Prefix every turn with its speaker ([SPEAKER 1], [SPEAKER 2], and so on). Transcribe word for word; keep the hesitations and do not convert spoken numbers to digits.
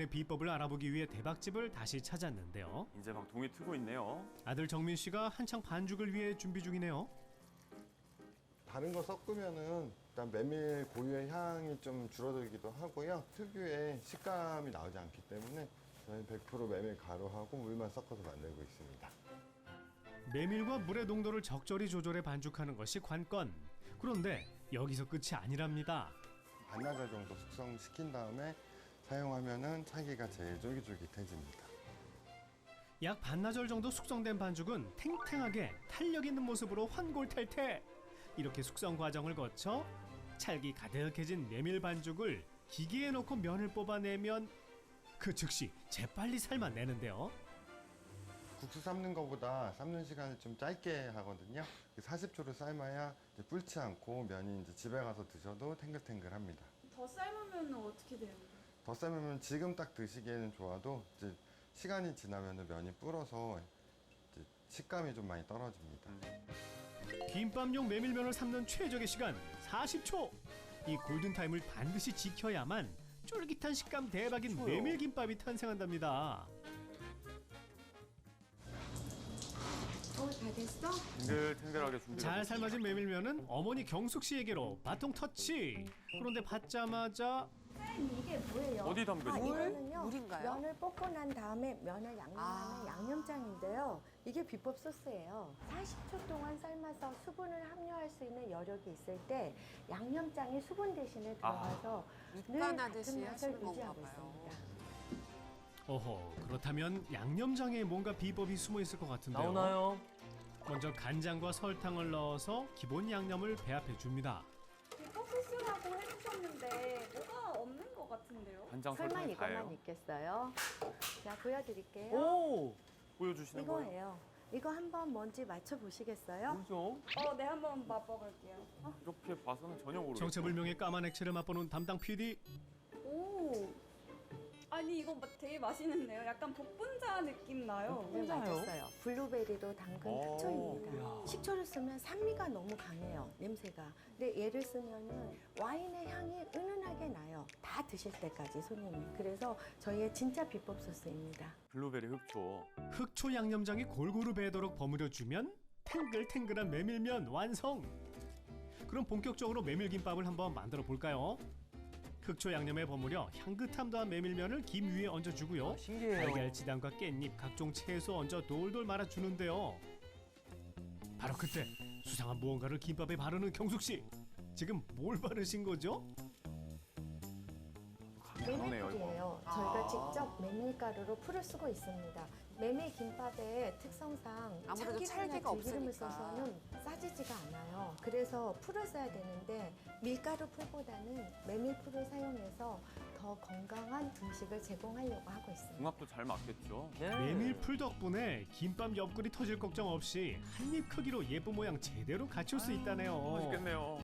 [SPEAKER 1] 양념의 비법을 알아보기 위해 대박집을 다시 찾았는데요.
[SPEAKER 2] 이제 막 동이 트고 있네요.
[SPEAKER 1] 아들 정민 씨가 한창 반죽을 위해 준비 중이네요.
[SPEAKER 3] 다른 거 섞으면은 일단 메밀 고유의 향이 좀 줄어들기도 하고요. 특유의 식감이 나오지 않기 때문에 저희는 백 퍼센트 메밀 가루하고 물만 섞어서 만들고 있습니다.
[SPEAKER 1] 메밀과 물의 농도를 적절히 조절해 반죽하는 것이 관건. 그런데 여기서 끝이 아니랍니다.
[SPEAKER 3] 반나절 정도 숙성시킨 다음에 사용하면은 차기가 제일 쫄깃쫄깃해집니다.
[SPEAKER 1] 약 반나절 정도 숙성된 반죽은 탱탱하게 탄력 있는 모습으로 환골탈태. 이렇게 숙성 과정을 거쳐 찰기 가득해진 메밀 반죽을 기계에 넣고 면을 뽑아내면 그 즉시 재빨리 삶아내는데요.
[SPEAKER 3] 국수 삶는 것보다 삶는 시간을 좀 짧게 하거든요. 사십 초를 삶아야 이제 불지 않고 면이 이제 집에 가서 드셔도 탱글탱글합니다.
[SPEAKER 4] 더 삶으면 어떻게 돼요?
[SPEAKER 3] 더 삶으면 지금 딱 드시기에는 좋아도 이제 시간이 지나면 면이 불어서 이제 식감이 좀 많이 떨어집니다.
[SPEAKER 1] 김밥용 메밀면을 삶는 최적의 시간 사십 초. 이 골든타임을 반드시 지켜야만 쫄깃한 식감 대박인 메밀김밥이 탄생한답니다.
[SPEAKER 5] 어, 다 됐어?
[SPEAKER 2] 탱글탱글하게 준비가
[SPEAKER 1] 잘
[SPEAKER 2] 됐습니다.
[SPEAKER 1] 삶아진 메밀면은 어머니 경숙 씨에게로 바통 터치. 그런데 받자마자
[SPEAKER 5] 이게 뭐예요?
[SPEAKER 2] 어디 담그죠?
[SPEAKER 5] 아,
[SPEAKER 2] 물?
[SPEAKER 5] 이거는요.
[SPEAKER 6] 물인가요?
[SPEAKER 5] 면을 볶고 난 다음에 면을 양념하는
[SPEAKER 6] 아.
[SPEAKER 5] 양념장인데요. 이게 비법 소스예요. 사십 초 동안 삶아서 수분을 함유할 수 있는 여력이 있을 때 양념장이 수분 대신에 들어가서 늘
[SPEAKER 6] 육간하듯이
[SPEAKER 5] 같은 맛을
[SPEAKER 6] 하시는 건가
[SPEAKER 5] 유지하고
[SPEAKER 6] 봐요.
[SPEAKER 5] 있습니다.
[SPEAKER 1] 어허, 그렇다면 양념장에 뭔가 비법이 숨어 있을 것 같은데요.
[SPEAKER 7] 나오나요?
[SPEAKER 1] 먼저 간장과 설탕을 넣어서 기본 양념을 배합해 줍니다.
[SPEAKER 4] 비법 소스라고 해주셨는데 뭐가 없는 것 같은데요?
[SPEAKER 2] 간장
[SPEAKER 5] 설마
[SPEAKER 2] 설탕이
[SPEAKER 5] 이것만
[SPEAKER 2] 다예요.
[SPEAKER 5] 있겠어요? 자, 보여드릴게요.
[SPEAKER 7] 오!
[SPEAKER 2] 보여주시는 거예요?
[SPEAKER 5] 이거예요. 이거 한번 뭔지 맞춰보시겠어요?
[SPEAKER 7] 뭐죠?
[SPEAKER 4] 어, 네, 한번 맛봐볼게요. 어?
[SPEAKER 2] 이렇게 봐서는 전혀 모르겠어요.
[SPEAKER 1] 정체불명의 까만 액체를 맛보는 담당 피디.
[SPEAKER 4] 오. 아니, 이거 마- 되게 맛있는데요? 약간 복분자 느낌 나요.
[SPEAKER 5] 네,
[SPEAKER 7] 진짜요?
[SPEAKER 5] 맞았어요. 블루베리로 담근
[SPEAKER 2] 오.
[SPEAKER 5] 특초입니다.
[SPEAKER 7] 이야.
[SPEAKER 5] 식초를 쓰면 산미가 너무 강해요, 냄새가. 근데 얘를 쓰면은 와인의 향이 은은하게 나요. 다 드실 때까지 손님이. 그래서 저희의 진짜 비법 소스입니다.
[SPEAKER 2] 블루베리 흑초.
[SPEAKER 1] 흑초 양념장이 골고루 배도록 버무려 주면 탱글탱글한 메밀면 완성. 그럼 본격적으로 메밀김밥을 한번 만들어 볼까요? 흑초 양념에 버무려 향긋함 더한 메밀면을 김 위에 얹어주고요.
[SPEAKER 7] 아, 신기해요.
[SPEAKER 1] 달걀 지단과 깻잎, 각종 채소 얹어 돌돌 말아주는데요. 바로 그때 수상한 무언가를 김밥에 바르는 경숙 씨. 지금 뭘 바르신 거죠?
[SPEAKER 2] 강하네요, 이거.
[SPEAKER 5] 메밀풀이에요. 저희가 직접 메밀가루로 풀을 쓰고 있습니다. 메밀 김밥의 특성상
[SPEAKER 6] 아무래도
[SPEAKER 5] 참기름이나
[SPEAKER 6] 찰기가
[SPEAKER 5] 들기름을
[SPEAKER 6] 없으니까.
[SPEAKER 5] 써서는 싸지지가 않아요. 그래서 풀을 써야 되는데 밀가루 풀보다는 메밀 풀을 사용해서 더 건강한 음식을 제공하려고 하고 있습니다.
[SPEAKER 2] 궁합도 잘 맞겠죠?
[SPEAKER 7] 네.
[SPEAKER 1] 메밀풀 덕분에 김밥 옆구리 터질 걱정 없이 한 입 크기로 예쁜 모양 제대로 갖출 수 있다네요.
[SPEAKER 2] 맛있겠네요.